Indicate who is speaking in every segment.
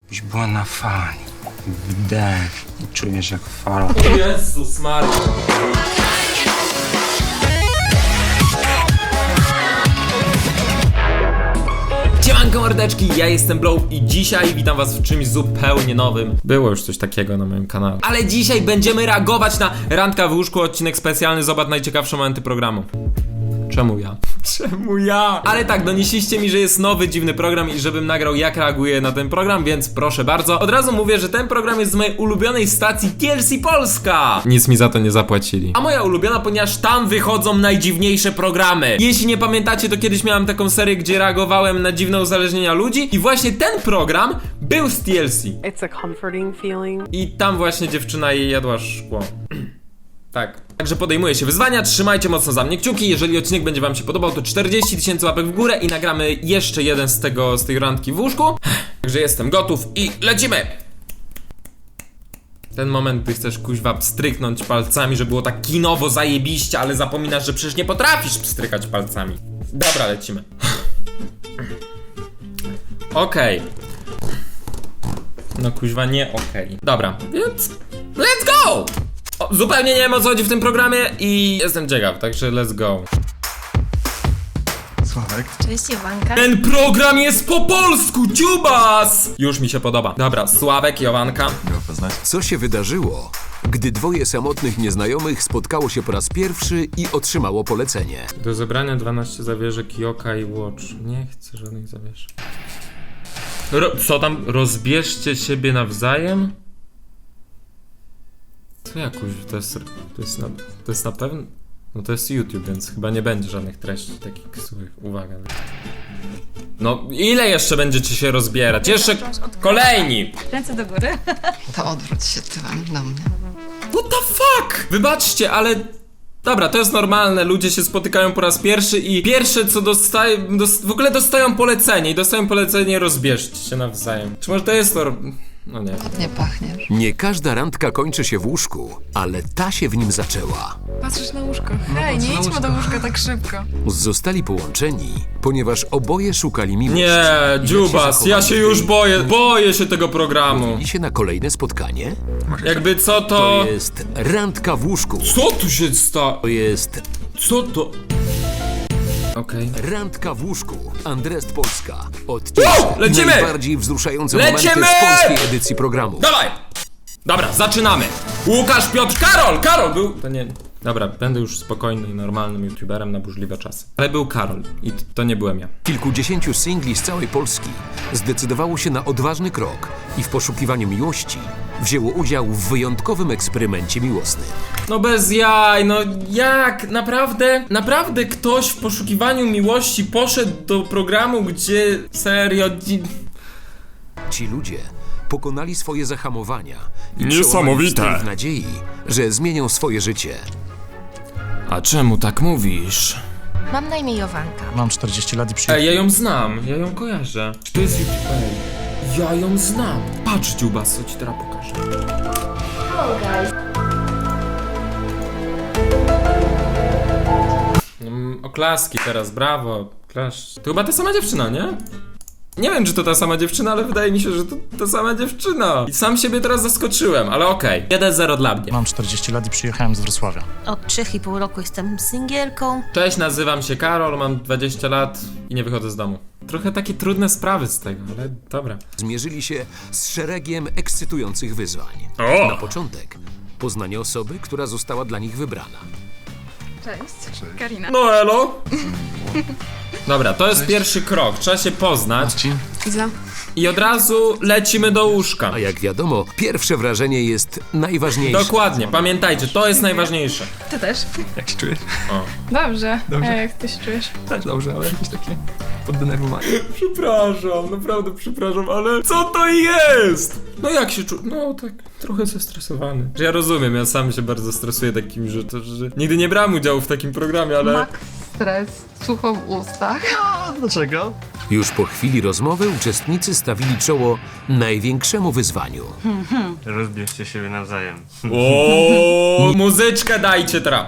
Speaker 1: Byś była na fali. Wdech i czujesz jak fala.
Speaker 2: O Jezus Maria. Siemanko mordeczki, ja jestem Blow i dzisiaj witam was w czymś zupełnie nowym. Było już coś takiego na moim kanale. Ale dzisiaj będziemy reagować na Randka w łóżku, odcinek specjalny. Zobacz najciekawsze momenty programu. Czemu ja? Czemu ja? Ale tak, donieśliście mi, że jest nowy, dziwny program i żebym nagrał jak reaguję na ten program, więc proszę bardzo. Od razu mówię, że ten program jest z mojej ulubionej stacji TLC Polska. Nic mi za to nie zapłacili. A moja ulubiona, ponieważ tam wychodzą najdziwniejsze programy. Jeśli nie pamiętacie, to kiedyś miałem taką serię, gdzie reagowałem na dziwne uzależnienia ludzi i właśnie ten program był z TLC.
Speaker 3: It's a comforting feeling.
Speaker 2: I tam właśnie dziewczyna jej jadła szkło. Tak. Także podejmuję się wyzwania, trzymajcie mocno za mnie kciuki. Jeżeli odcinek będzie wam się podobał, to 40 000 łapek w górę i nagramy jeszcze jeden z tej randki w łóżku. Także jestem gotów i lecimy! Ten moment, gdy chcesz kuźwa pstryknąć palcami, że było tak kinowo zajebiście, ale zapominasz, że przecież nie potrafisz pstrykać palcami. Dobra, lecimy. Okej. No kuźwa nie okej. Dobra, więc let's go! O, zupełnie nie wiem, o co chodzi w tym programie i jestem ciekaw, także let's go.
Speaker 1: Sławek?
Speaker 4: Cześć Iwanka.
Speaker 2: Ten program jest po polsku, dziubas! Już mi się podoba. Dobra, Sławek, Jowanka.
Speaker 1: Miło poznać.
Speaker 5: Co się wydarzyło, gdy dwoje samotnych nieznajomych spotkało się po raz pierwszy i otrzymało polecenie?
Speaker 2: Do zebrania 12 zawieszek Yoka i Watch. Nie chcę żadnych zawieszek. Co tam? Rozbierzcie siebie nawzajem? Co ja kuźwa, to jest na pewno... No to jest YouTube, więc chyba nie będzie żadnych treści takich złych. Uwaga. No ile jeszcze będziecie się rozbierać? Jeszcze kolejni!
Speaker 4: Ręce do góry.
Speaker 6: To odwróć się tyłem do mnie.
Speaker 2: What the fuck? Wybaczcie, ale... Dobra, to jest normalne, ludzie się spotykają po raz pierwszy i pierwsze co dostają, w ogóle dostają polecenie i dostają polecenie rozbierzcie się nawzajem. Czy może to jest to... No nie.
Speaker 6: Nie pachniesz.
Speaker 5: Nie każda randka kończy się w łóżku, ale ta się w nim zaczęła.
Speaker 7: Patrzysz na łóżko. Hej, nie idźmy do łóżka tak szybko.
Speaker 5: Zostali połączeni, ponieważ oboje szukali miłości.
Speaker 2: Nie, dziubas, ja się już boję się tego programu.
Speaker 5: I się na kolejne spotkanie?
Speaker 2: Jakby co
Speaker 5: To
Speaker 2: to...
Speaker 5: jest randka w łóżku.
Speaker 2: Co tu się stało?
Speaker 5: To jest
Speaker 2: Co to? Okej.
Speaker 5: randka w łóżku. Andrest Polska. Odcinek
Speaker 2: lecimy!
Speaker 5: najbardziej wzruszające
Speaker 2: Lecimy!
Speaker 5: momenty z polskiej edycji programu.
Speaker 2: Dawaj! Dobra, zaczynamy. Łukasz, Piotr, Karol był... To nie... Dobra, będę już spokojnym i normalnym youtuberem na burzliwe czasy. Ale był Karol i to nie byłem ja.
Speaker 5: Kilkudziesięciu singli z całej Polski zdecydowało się na odważny krok i w poszukiwaniu miłości wzięło udział w wyjątkowym eksperymencie miłosnym.
Speaker 2: No bez jaj, no jak? Naprawdę ktoś w poszukiwaniu miłości poszedł do programu, gdzie... Serio...
Speaker 5: Ci ludzie pokonali swoje zahamowania i
Speaker 2: Niesamowite.
Speaker 5: przełamali styl w nadziei, że zmienią swoje życie.
Speaker 2: A czemu tak mówisz?
Speaker 4: Mam na imię Jowanka.
Speaker 1: Mam 40 lat i
Speaker 2: Ej, ja ją znam, ja ją kojarzę. Czy to jest YouTube? Ej, ja ją znam. Patrz, dziubas, co ci teraz pokażę. Oklaski teraz, brawo. Klasz. To chyba ta sama dziewczyna, nie? Nie wiem, czy to ta sama dziewczyna, ale wydaje mi się, że to ta sama dziewczyna. I sam siebie teraz zaskoczyłem, ale okej. 1-0 dla mnie.
Speaker 1: Mam 40 lat i przyjechałem z Wrocławia.
Speaker 4: Od 3,5 roku jestem singielką.
Speaker 2: Cześć, nazywam się Karol, mam 20 lat i nie wychodzę z domu. Trochę takie trudne sprawy z tego, ale dobra.
Speaker 5: Zmierzyli się z szeregiem ekscytujących wyzwań. Na początek poznanie osoby, która została dla nich wybrana.
Speaker 7: Cześć, Karina.
Speaker 2: No elo. Dobra, to jest pierwszy krok, trzeba się poznać
Speaker 7: Iza.
Speaker 2: i od razu lecimy do łóżka.
Speaker 5: A jak wiadomo, pierwsze wrażenie jest najważniejsze.
Speaker 2: Dokładnie, pamiętajcie, to jest najważniejsze.
Speaker 7: Ty też.
Speaker 8: Jak się czujesz?
Speaker 7: Dobrze. A jak ty się czujesz?
Speaker 8: Też dobrze, ale jakieś takie poddenerwowanie.
Speaker 2: Przepraszam, naprawdę przepraszam, ale co to jest? No jak się czuję? No tak, trochę zestresowany. Ja rozumiem, ja sam się bardzo stresuję takimi rzeczami, że nigdy nie brałem udziału w takim programie, ale...
Speaker 6: Max stres, sucho w ustach.
Speaker 8: Dlaczego?
Speaker 5: Już po chwili rozmowy uczestnicy stawili czoło największemu wyzwaniu.
Speaker 9: Rozbierzcie siebie nawzajem.
Speaker 2: O, muzyczkę dajcie teraz.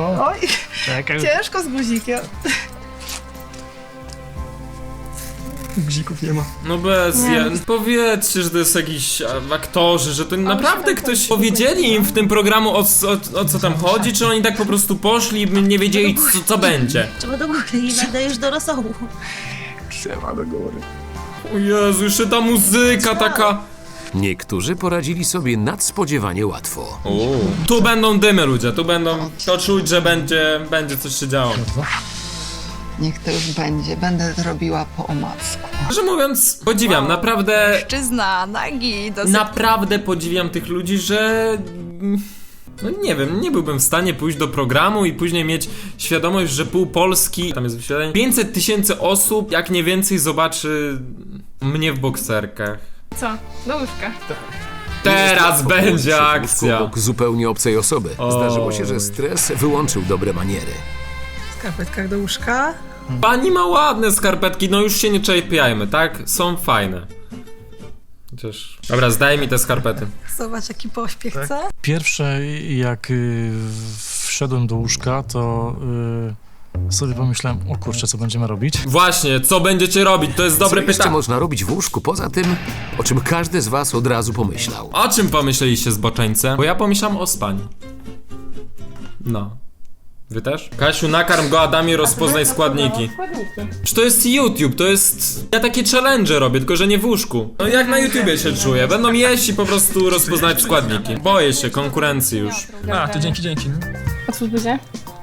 Speaker 8: Czekaj.
Speaker 7: Ciężko z guzikiem.
Speaker 8: Guzików nie ma.
Speaker 2: No bez jen. Powiedzcie, że to jest jakiś aktorzy, że to naprawdę ktoś powiedzieli im w tym programu o co tam chodzi, czy oni tak po prostu poszli i nie wiedzieli co będzie.
Speaker 4: Trzeba do góry i będę już do rosołu.
Speaker 8: Trzeba do góry.
Speaker 2: O Jezu, jeszcze ta muzyka taka...
Speaker 5: Niektórzy poradzili sobie nadspodziewanie łatwo.
Speaker 2: Tu będą dymy, ludzie, tu będą... To czuć, że będzie coś się działo.
Speaker 6: Niech to już będzie. Będę robiła po omacku.
Speaker 2: Szczerze mówiąc, podziwiam, naprawdę...
Speaker 7: Mężczyzna, nagi, dosyć.
Speaker 2: Naprawdę podziwiam tych ludzi, że... No nie wiem, nie byłbym w stanie pójść do programu i później mieć świadomość, że pół Polski, tam jest wyświetlenie, 500 000 osób, jak nie więcej, zobaczy mnie w bokserkach.
Speaker 7: Co? Do łóżka.
Speaker 2: Teraz będzie
Speaker 5: Przy łóżku
Speaker 2: akcja.
Speaker 5: obok zupełnie obcej osoby. Zdarzyło się, że stres wyłączył dobre maniery.
Speaker 10: W skarpetkach do łóżka.
Speaker 2: Pani ma ładne skarpetki, no już się nie czepiajmy, tak? Są fajne. Chociaż... Dobra, zdaj mi te skarpety.
Speaker 10: Zobacz jaki pośpiech, co?
Speaker 11: Pierwsze, jak wszedłem do łóżka, to sobie pomyślałem, o kurczę, co będziemy robić?
Speaker 2: Właśnie, co będziecie robić? To jest dobre
Speaker 5: Co jeszcze
Speaker 2: pytanie.
Speaker 5: można robić w łóżku poza tym, o czym każdy z was od razu pomyślał?
Speaker 2: O czym pomyśleliście, zboczeńce? Bo ja pomyślałem o spaniu. No. Wy też? Kasiu, nakarm go, Adamie, rozpoznaj składniki. Czy to jest YouTube, to jest... Ja takie challenge robię, tylko że nie w łóżku. No jak na YouTubie się czuję, będą jeść i po prostu rozpoznać składniki. Boję się konkurencji już.
Speaker 8: A, to dzięki.
Speaker 7: Otwórz buzię.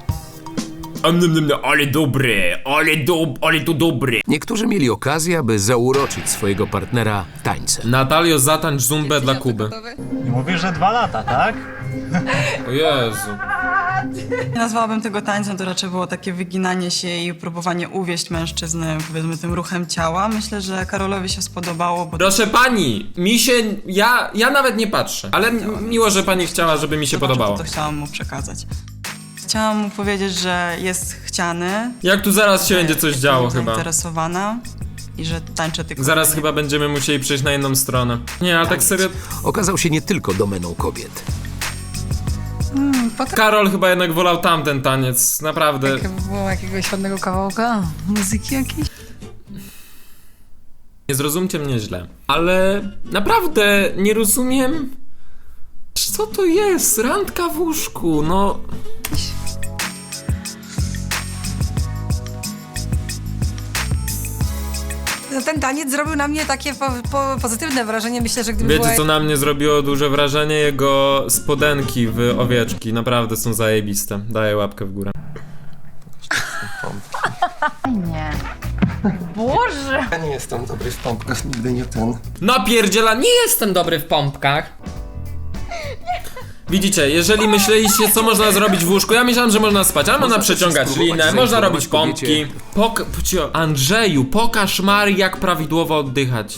Speaker 2: Ale to dobry.
Speaker 5: Niektórzy mieli okazję, aby zauroczyć swojego partnera tańcem.
Speaker 2: Natalio, zatańcz zumbę dla Kuby.
Speaker 9: Mówisz, że 2 lata, tak?
Speaker 2: O Jezu.
Speaker 10: Nie nazwałabym tego tańcem, to raczej było takie wyginanie się i próbowanie uwieść mężczyznę, powiedzmy, tym ruchem ciała. Myślę, że Karolowi się spodobało, bo
Speaker 2: Proszę pani, mi się... Ja nawet nie patrzę, ale miło, że pani chciała, żeby mi się
Speaker 10: zobaczył,
Speaker 2: podobało.
Speaker 10: to, co chciałam mu przekazać. Chciałam mu powiedzieć, że jest chciany.
Speaker 2: Jak tu zaraz się będzie coś działo
Speaker 10: jestem
Speaker 2: chyba.
Speaker 10: zainteresowana i że tańczę tylko...
Speaker 2: Zaraz chyba będziemy musieli przejść na inną stronę. Nie, ale tak serio...
Speaker 5: Okazał się nie tylko domeną kobiet.
Speaker 2: Karol chyba jednak wolał tamten taniec, naprawdę.
Speaker 10: Było jakiegoś ładnego kawałka muzyki jakiejś?
Speaker 2: Nie zrozumcie mnie źle, ale naprawdę nie rozumiem, co to jest, randka w łóżku, no...
Speaker 10: No, ten taniec zrobił na mnie takie pozytywne wrażenie. Myślę, że gdyby
Speaker 2: Wiecie, co na mnie zrobiło duże wrażenie? Jego spodenki w owieczki, naprawdę są zajebiste. Daję łapkę w górę.
Speaker 7: Boże!
Speaker 8: Ja nie jestem dobry w pompkach, nigdy nie ten.
Speaker 2: Napierdziela, nie jestem dobry w pompkach. Widzicie, jeżeli myśleliście, co można zrobić w łóżku, ja myślałem, że można spać, ale można przeciągać
Speaker 5: spróbować
Speaker 2: linę, można robić
Speaker 5: zainformować
Speaker 2: pompki. Andrzeju, pokaż Marii, jak prawidłowo oddychać.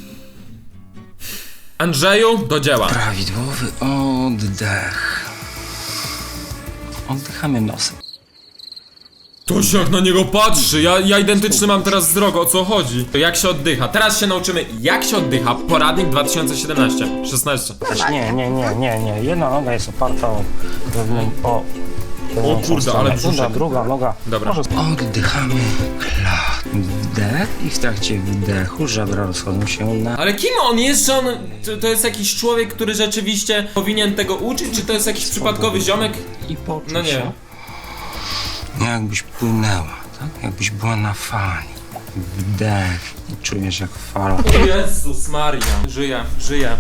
Speaker 2: Andrzeju, do dzieła.
Speaker 1: Prawidłowy oddech. Oddychamy nosem.
Speaker 2: To się jak na niego patrzy, ja identyczny mam teraz wzrok, o co chodzi? Jak się oddycha? Teraz się nauczymy, jak się oddycha. Poradnik 2017, 16.
Speaker 9: Nie. Jedna noga jest oparta o
Speaker 2: kurde, ale brzuszek.
Speaker 9: druga noga.
Speaker 2: Dobra.
Speaker 1: Oddychamy wdech i w trakcie wdechu żebra rozchodzą się na...
Speaker 2: Ale kim on jest? Czy on to jest jakiś człowiek, który rzeczywiście powinien tego uczyć? Czy to jest jakiś przypadkowy ziomek?
Speaker 1: I poczuć
Speaker 2: No nie.
Speaker 1: się, jakbyś płynęła, tak? Jakbyś była na fali. Wdech i czujesz jak fala.
Speaker 2: O Jezus Maria. Żyję.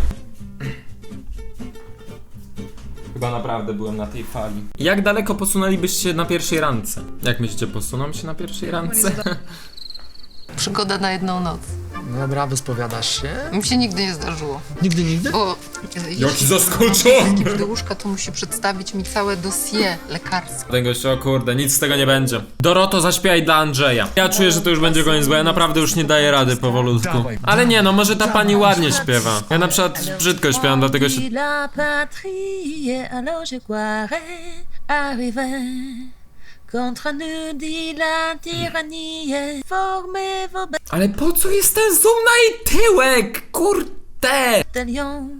Speaker 2: Chyba naprawdę byłem na tej fali. Jak daleko posunęlibyście się na pierwszej randce? Jak myślicie, posuną się na pierwszej randce?
Speaker 6: Przygoda na jedną noc.
Speaker 8: Dobra, wyspowiadasz się?
Speaker 6: Mi się nigdy nie zdarzyło.
Speaker 8: Nigdy?
Speaker 6: Bo
Speaker 2: Jaki zaskoczony!
Speaker 6: do łóżka to musi przedstawić mi całe dossier lekarskie.
Speaker 2: Ten gość, o kurde, nic z tego nie będzie. Doroto, zaśpiewaj dla Andrzeja. Ja czuję, że to już będzie koniec, bo ja naprawdę już nie daję rady powolutku. Ale nie, no może ta pani ładnie śpiewa. Ja na przykład brzydko śpiewam, dlatego się...
Speaker 4: La patrie, alors je croirais arriver. Contre nous dit la tyrannie, formez vos
Speaker 2: Ale po co jest ten zoom na jej tyłek? Kurde!
Speaker 4: bataillons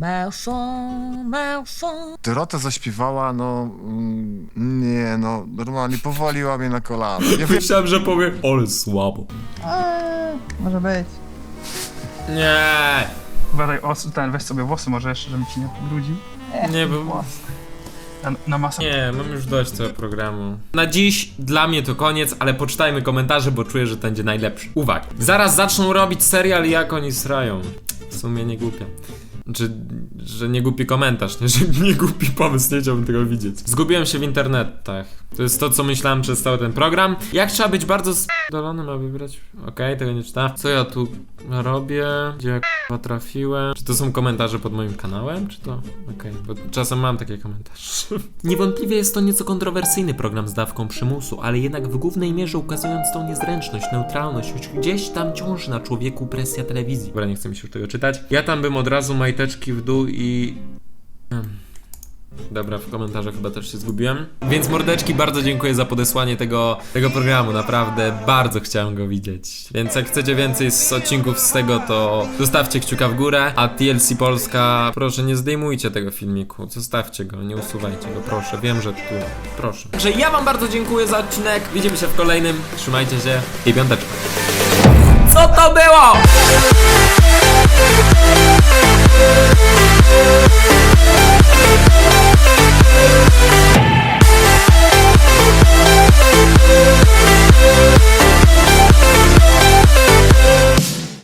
Speaker 4: Marchons, marchons.
Speaker 8: Dorota zaśpiewała, nie, normalnie powaliła mnie na kolana. Nie wiem,
Speaker 2: Myślałem, że powie, ale słabo.
Speaker 10: Może być.
Speaker 2: Nie,
Speaker 9: Uważaj, weź sobie włosy może jeszcze, żeby ci nie pobrudził.
Speaker 2: nie, bo...
Speaker 9: Na masę.
Speaker 2: Nie, mam już dość tego programu. Na dziś dla mnie to koniec, ale poczytajmy komentarze, bo czuję, że to będzie najlepszy. Uwaga. Zaraz zaczną robić serial, jak oni srają. W sumie nie głupie. Znaczy, że nie głupi komentarz, nie? Że nie głupi pomysł, nie chciałbym tego widzieć. Zgubiłem się w internetach. To jest to, co myślałem przez cały ten program. Jak trzeba być bardzo sp***dolonym, aby wybrać? Okej, tego nie czytałem. Co ja tu robię? Gdzie ja k***a trafiłem? Czy to są komentarze pod moim kanałem? Czy to... Okej, bo czasem mam takie komentarze. Niewątpliwie jest to nieco kontrowersyjny program z dawką przymusu, ale jednak w głównej mierze ukazując tą niezręczność, neutralność, choć gdzieś tam ciąży na człowieku presja telewizji. Dobra, nie chcę mi się już tego czytać. Ja tam bym od razu majteczki w dół i... Dobra, w komentarzach chyba też się zgubiłem. Więc mordeczki, bardzo dziękuję za podesłanie tego programu, naprawdę bardzo chciałem go widzieć. Więc jak chcecie więcej z odcinków z tego, to zostawcie kciuka w górę. A TLC Polska, proszę nie zdejmujcie tego filmiku, zostawcie go, nie usuwajcie go, proszę, wiem, że tu, proszę. Także ja wam bardzo dziękuję za odcinek, widzimy się w kolejnym, trzymajcie się i piąteczka. Co to było?